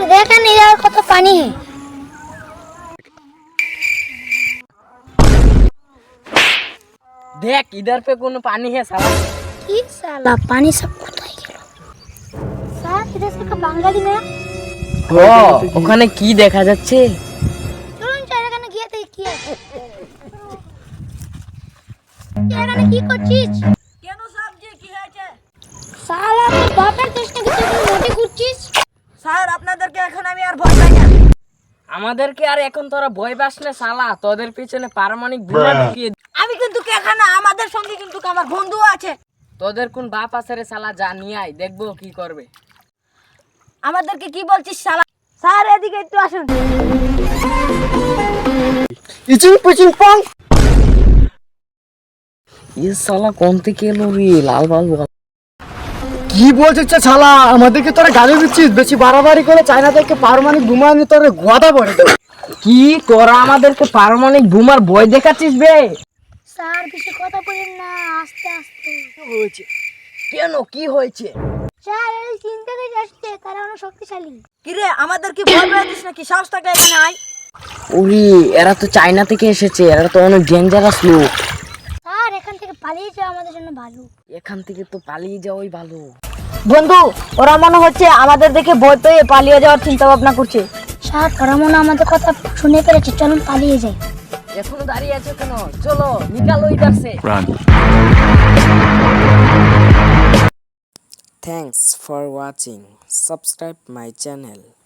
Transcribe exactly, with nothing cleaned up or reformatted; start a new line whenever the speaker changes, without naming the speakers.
देखा नहीं यार कत पानी है।
देख इधर पे कोनो पानी है साला।
কি साला पानी सब কোথায় গেল? স্যার এটা একটা বাঙালি না?
ও ওখানে কি দেখা যাচ্ছে?
চলুন স্যার এখানে গিয়ে দেখি কি আছে। এখানে কি করছিস?
কেন সাবজি কি হয়েছে?
সালা তুই বাপের দেশটা কি তুই মোটে করছিস?
স্যার আপনাদেরকে এখন আমি আর ভয় পাই না।
আমাদেরকে আর এখন তোরা ভয় পাস না শালা, তোদের পিছনে পারমাণবিক বোমা ঢুকিয়ে
আমি কিন্তু এখানে আমাদের সঙ্গে কিন্তু আমার বন্ধু আছে।
তোদের কোন বাপ আছে রে শালা, যা নিয়ে আয় দেখবো কি করবে।
আমাদেরকে কি বলছিস শালা? স্যার এদিকে একটু আসুন।
ইচিং পুচিং পং। ये साला कौन থেকে এলো রে লাল লাল বল।
কি বলছিস শালা? আমাদেরকে তোরা গালি দিচ্ছিস, বেশি বাড়াবাড়ি করে চায়না থেকে পারমাণবিক বোমা নিয়ে তোরে গোয়াদা পড়ে দেবে।
কি তোরা আমাদেরকে পারমাণবিক বোমার ভয় দেখাচ্ছিস বে?
স্যার বেশি কথা বলেন না, আস্তে আস্তে।
হয়েছে কেন, কি হয়েছে?
স্যার এই চিন্তা করে আসছে তারা অনেক শক্তিশালী।
কি রে আমাদের কি ভয় পাচ্ছিস নাকি? সাহস থাকলে এখানে আয়।
ওরে এরা তো চায়না থেকে এসেছে, এরা তো অনেক ডেঞ্জারাস লোক।
স্যার এখান থেকে পালিয়ে যাওয়া আমাদের জন্য ভালো।
এখান থেকে তো পালিয়ে যাওয়াই ভালো।
বন্ধু ওরা মনে হচ্ছে আমাদের দেখে ভয় পেয়ে পালিয়ে যাওয়ার চিন্তা ভাবনা করছে।
স্যার ওরা মনে হয় আমাদের কথা শুনে ফেলেছে, চলুন পালিয়ে যাই।
এখনো দাঁড়িয়ে আছো কেন? চলো নিকালো ইধার সে। Thanks for watching. Subscribe my channel.